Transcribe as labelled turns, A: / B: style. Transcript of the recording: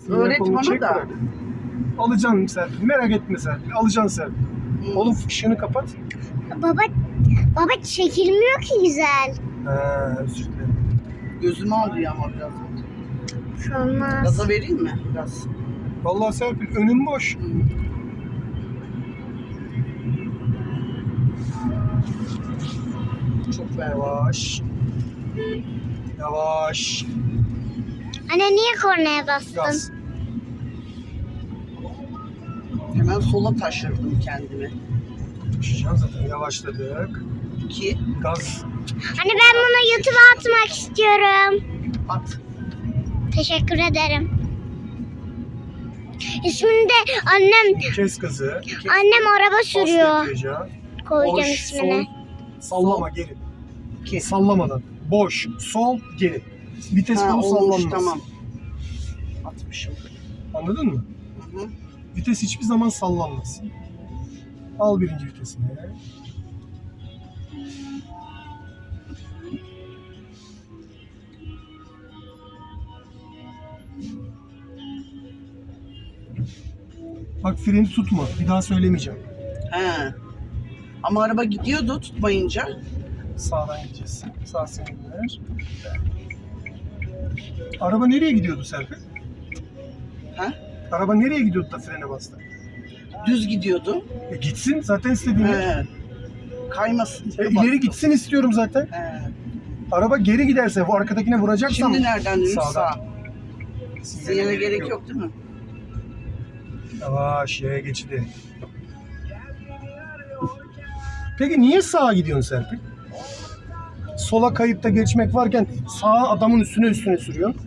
A: Öğret
B: Kolunu
A: bana
B: çek,
A: da.
B: bırak. Alacaksın Serpil. Merak etme Serpil. Alacaksın Serpil. Oğlum ışığını kapat.
C: Baba çekilmiyor ki güzel.
B: Özür dilerim.
A: Gözümü alıyor ama biraz.
C: Olmaz.
A: Gaza vereyim mi? Biraz.
B: Vallahi Serpil önüm boş.
A: Çok ver.
B: Yavaş. Yavaş.
C: Anne niye kornaya bastın?
B: Gaz.
A: Hemen sola taşırdım kendimi.
B: Düşeceğim zaten. Yavaşladık.
A: 2.
B: Gaz.
C: Anne ben bunu YouTube'a atmak istiyorum.
A: At.
C: Teşekkür ederim. İsmini de annem
B: Kes gazı.
C: araba
B: Bas
C: sürüyor.
B: debriyaja.
C: Koyacağım
B: Boş,
C: ismini.
B: sol. Sallama geri.
A: 2.
B: Sallamadan. Boş, sol, geri. Vites
A: Ha,
B: kolu
A: olmuş,
B: sallanmaz.
A: tamam. Atmışım.
B: Anladın mı?
A: Hı hı.
B: Vites hiçbir zaman sallanmaz. Al birinci vitesini. Bak freni tutma. Bir daha söylemeyeceğim.
A: He. Ama araba gidiyordu tutmayınca.
B: Sağdan gideceğiz. Sağ sinyaller. Araba nereye gidiyordu Serpil?
A: Ha?
B: Araba nereye gidiyordu da frene bastı?
A: Düz gidiyordu.
B: Gitsin zaten istediğim yer.
A: He. Kaymasın.
B: İleri gitsin istiyorum zaten.
A: He.
B: Araba geri giderse bu arkadakine vuracaksam
A: Şimdi nereden dönüş?
B: sağdan.
A: Sağ. Sinyale gerek yok değil mi?
B: Yavaş yaya geçidi. Peki niye sağa gidiyorsun Serpil? Sola kayıp da geçmek varken sağa adamın üstüne sürüyorsun.